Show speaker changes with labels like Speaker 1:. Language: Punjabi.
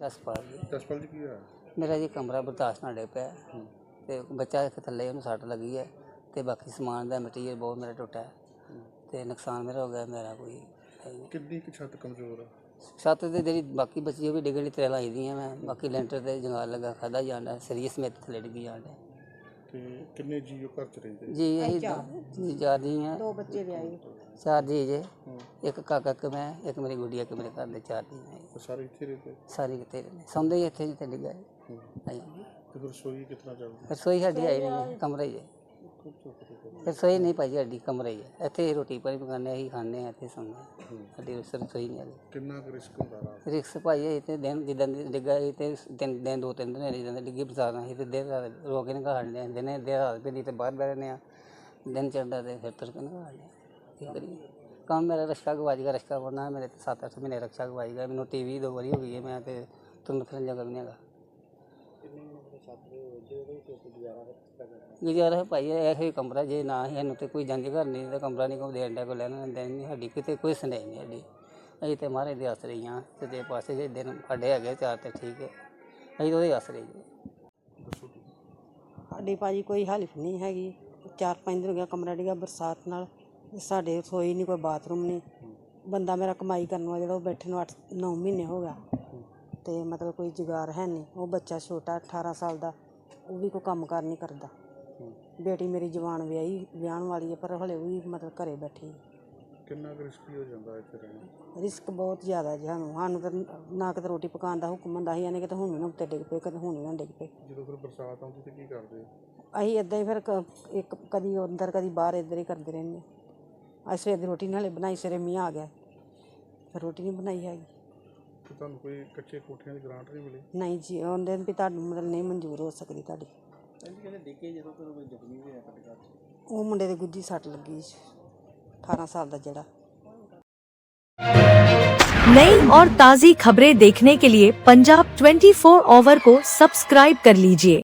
Speaker 1: ਜਸਪਾਲ ਜੀ।
Speaker 2: ਜਸਪਾਲ ਜੀ ਕੀ ਹੋਇਆ?
Speaker 1: ਮੇਰਾ ਜੀ ਕਮਰਾ ਬਰਦਾਸ਼ਤ ਨਾਲ ਡਿੱਗ ਪਿਆ ਤੇ ਬੱਚਾ ਇੱਕ ਥੱਲੇ ਉਹਨੂੰ ਸੱਟ ਲੱਗੀ ਹੈ ਤੇ ਬਾਕੀ ਸਮਾਨ ਦਾ ਮਟੀਰੀਅਲ ਬਹੁਤ ਮੇਰਾ ਟੁੱਟਾ ਹੈ ਤੇ ਨੁਕਸਾਨ ਮੇਰਾ ਹੋ ਗਿਆ। ਮੇਰਾ ਕੋਈ ਹੈ ਨਹੀਂ।
Speaker 2: ਕਿੰਨੀ ਕੁ ਛੱਤ ਕਮਜ਼ੋਰ ਆ?
Speaker 1: ਛੱਤ ਤੇ ਜਿਹੜੀ ਬਾਕੀ ਬਚੀ ਉਹ ਵੀ ਡਿੱਗਣ ਦੀ ਤਰ੍ਹਾਂ ਲਾਈ ਦੀਆਂ ਮੈਂ, ਬਾਕੀ ਲੈਂਟਰ ਤੇ ਜੰਗਾਲ ਲੱਗਾ ਖਾਦਾ ਜਾਂਦਾ ਸੀਰੀਅਸ ਸਮੇਤ ਥੱਲੇ ਡਿੱਗੀ ਜਾਂਦਾ।
Speaker 2: ਤੇ ਕਿੰਨੇ ਜੀਓ ਘਰ ਚ ਰਹਿੰਦੇ?
Speaker 1: ਜੀ ਇਹੀ ਜੀ ਚਾਰ ਜੀ ਆ,
Speaker 3: 2 ਬੱਚੇ ਵਿਆਹੇ।
Speaker 1: 4 ਜੀ ਜੇ, ਇੱਕ ਕਾਕਾ ਇੱਕ ਮੈਂ, ਇੱਕ ਮੇਰੀ ਗੁੱਡੀ, ਇੱਕ ਮੇਰੇ ਘਰ ਦੇ 4 ਜੀ
Speaker 2: ਤੇ ਸਾਰੇ ਇੱਥੇ ਰਹਿੰਦੇ?
Speaker 1: ਸਾਰੇ ਕਿਤੇ ਸੌਂਦੇ ਹੀ ਇੱਥੇ ਜਿੱਥੇ ਡਿੱਗਾ
Speaker 2: ਤੇ ਫਿਰ ਰਸੋਈ ਕਿਤਨਾ ਚੱਲਦੀ?
Speaker 1: ਰਸੋਈ ਸਾਡੀ ਆਈ ਨਹੀਂ, ਕਮਰਾ ਹੀ ਹੈ। ਰਸੋਈ ਨਹੀਂ ਭਾਈ ਸਾਡੀ, ਕਮਰਾ ਹੀ ਹੈ। ਇੱਥੇ ਹੀ ਰੋਟੀ ਪਾਣੀ ਪਕਾਉਂਦੇ, ਅਸੀਂ ਖਾਂਦੇ ਹਾਂ, ਇੱਥੇ ਸੌਂਦੇ ਹਾਂ। ਸਾਡੀ ਰਸੋਈ ਨਹੀਂ ਹੈਗੀ।
Speaker 2: ਕਿੰਨਾ ਕੁ ਰਿਸਕ ਹੁੰਦਾ ਰਾਤ?
Speaker 1: ਰਿਕਸ ਭਾਈ ਇਹ ਤੇ ਦਿਨ ਜਿੱਦਾਂ ਦੀ ਡਿੱਗਾ ਇਹ ਤੇ 2-3 ਦਿਨ ਜਿੱਦਾਂ ਦੀ ਡਿੱਗੀ ਬਰਸਾਤ ਅਸੀਂ ਤੇ ਦੇਰ ਰਾਤ ਰੋ ਕੇ ਨਿਕਾਲ ਲੈਂਦੇ ਹਾਂ। ਦਿਨੇ ਦੇਰ ਰਾਤ ਵੀ ਤੇ ਬਾਹਰ ਬਹਿ ਰਹਿੰਦੇ ਹਾਂ, ਦਿਨ ਚੜ੍ਹਦਾ ਤੇ ਫਿਰ ਤੁਰ ਕੇ ਨਿਕਾਲ ਲੈਂਦੇ ਹਾਂ। ਕੀ ਕਰੀਏ, ਕੰਮ ਮੇਰਾ ਰਸ਼ਕਾ ਗਵਾਚ ਗਿਆ। ਰਸ਼ਕਾ ਬਣਨਾ ਮੇਰੇ 7-8 ਮਹੀਨੇ ਰਕਸ਼ਾ ਗਵਾਚ ਗਿਆ। ਮੈਨੂੰ TV 2 ਵਾਰੀ ਹੋ ਗਈ ਹੈ। ਮੈਂ ਤੇ ਤੁਰਨ ਫਿਰਨ ਜਗ੍ਹਾ ਵੀ ਨਹੀਂ ਹੈਗਾ। ਗੁਜ਼ਾਰਾ ਭਾਈ ਇਹੋ ਹੀ ਕਮਰਾ, ਜੇ ਨਾ ਹੀ ਸਾਨੂੰ ਤੇ ਕੋਈ ਜੰਝ ਘਰ ਨਹੀਂ ਤਾਂ ਕਮਰਾ ਨਹੀਂ ਕੋਈ ਦੇਣ ਦਾ, ਕੋਈ ਲੈਣਾ ਦੇਣ ਨਹੀਂ। ਸਾਡੀ ਕਿਤੇ ਕੋਈ ਸੁਣਾਈ ਨਹੀਂ ਸਾਡੀ। ਅਸੀਂ ਤੇ ਮਹਾਰਾਜ ਦੇ ਆਸਰੇ ਹੀ ਹਾਂ। ਤੇ ਪਾਸੇ ਜੇ ਦਿਨ ਸਾਡੇ ਹੈਗੇ 4 ਤੇ ਠੀਕ ਹੈ, ਅਸੀਂ ਉਹਦੇ ਆਸਰੇ ਜੀ।
Speaker 3: ਸਾਡੀ ਭਾਜੀ ਕੋਈ ਹੈਲਪ ਨਹੀਂ ਹੈਗੀ। 4-5 ਦਿਨ ਹੋ ਗਿਆ ਕਮਰਾ ਡਿੱਗਾ ਬਰਸਾਤ ਨਾਲ। ਸਾਡੇ ਰਸੋਈ ਨਹੀਂ, ਕੋਈ ਬਾਥਰੂਮ ਨਹੀਂ। ਬੰਦਾ ਮੇਰਾ ਕਮਾਈ ਕਰਨ ਵਾਲਾ ਜਿਹੜਾ ਉਹ ਬੈਠੇ ਨੂੰ 8-9 ਮਹੀਨੇ ਹੋ ਗਿਆ ਤੇ ਮਤਲਬ ਕੋਈ ਜੁਗਾੜ ਹੈ ਨਹੀਂ। ਉਹ ਬੱਚਾ ਛੋਟਾ 18 ਸਾਲ ਦਾ, ਉਹ ਵੀ ਕੋਈ ਕੰਮ ਕਾਰ ਨਹੀਂ ਕਰਦਾ। ਬੇਟੀ ਮੇਰੀ ਜਵਾਨ ਵਿਆਹਣ ਵਾਲੀ ਹੈ ਪਰ ਹਲੇ ਵੀ ਮਤਲਬ ਘਰੇ ਬੈਠੀ।
Speaker 2: ਕਿੰਨਾ ਕੁ ਰਿਸਕੀ ਹੋ ਜਾਂਦਾ ਇੱਥੇ ਰਹਿਣਾ?
Speaker 3: ਰਿਸਕ ਬਹੁਤ ਜ਼ਿਆਦਾ ਜੀ। ਸਾਨੂੰ ਤਾਂ ਨਾ ਕਿਤੇ ਰੋਟੀ ਪਕਾਉਣ ਦਾ ਹੁਕਮ ਹੁੰਦਾ ਸੀ, ਇਹਨੇ ਕਿਤੇ ਹੁਣ ਵੀ ਨਾ ਉੱਤੇ ਡਿੱਗ ਪਏ, ਕਦੇ ਹੁਣ ਵੀ ਨਾ ਡਿੱਗ ਪਏ।
Speaker 2: ਜਦੋਂ ਫਿਰ ਬਰਸਾਤ ਆਉਂਦੀ ਤੇ ਕੀ ਕਰਦੇ?
Speaker 3: ਅਸੀਂ ਇੱਦਾਂ ਹੀ ਫਿਰ ਇੱਕ ਕਦੀ ਅੰਦਰ ਕਦੀ ਬਾਹਰ ਇੱਧਰ ਹੀ ਕਰਦੇ ਰਹਿੰਦੇ ਹਾਂ। ਅਸੀਂ ਸਵੇਰ ਦੀ ਰੋਟੀ ਨਾਲੇ ਬਣਾਈ, ਸਵੇਰੇ ਮੀਂਹ ਆ ਗਿਆ ਫਿਰ ਰੋਟੀ ਨਹੀਂ ਬਣਾਈ ਹੈਗੀ।
Speaker 2: ਤੇ ਤੁਹਾਨੂੰ ਕੋਈ ਕੱਚੇ ਕੋਠਿਆਂ ਦੀ ਗ੍ਰਾਂਟ ਨਹੀਂ ਮਿਲੀ?
Speaker 3: ਨਹੀਂ ਜੀ, ਉਹਦੇ ਵੀ ਤੁਹਾਨੂੰ ਮਤਲਬ ਨਹੀਂ ਮਨਜ਼ੂਰ ਹੋ ਸਕਦੀ ਤੁਹਾਡੀ। ਉਹ ਮੁੰਡੇ ਦੇ ਗੁੱਜੀ ਸੱਟ ਲੱਗੀ 18 ਸਾਲ ਦਾ ਜਿਹੜਾ।
Speaker 4: नई और ताज़ी खबरें देखने के लिए पंजाब 24 आवर को सब्सक्राइब कर लीजिए।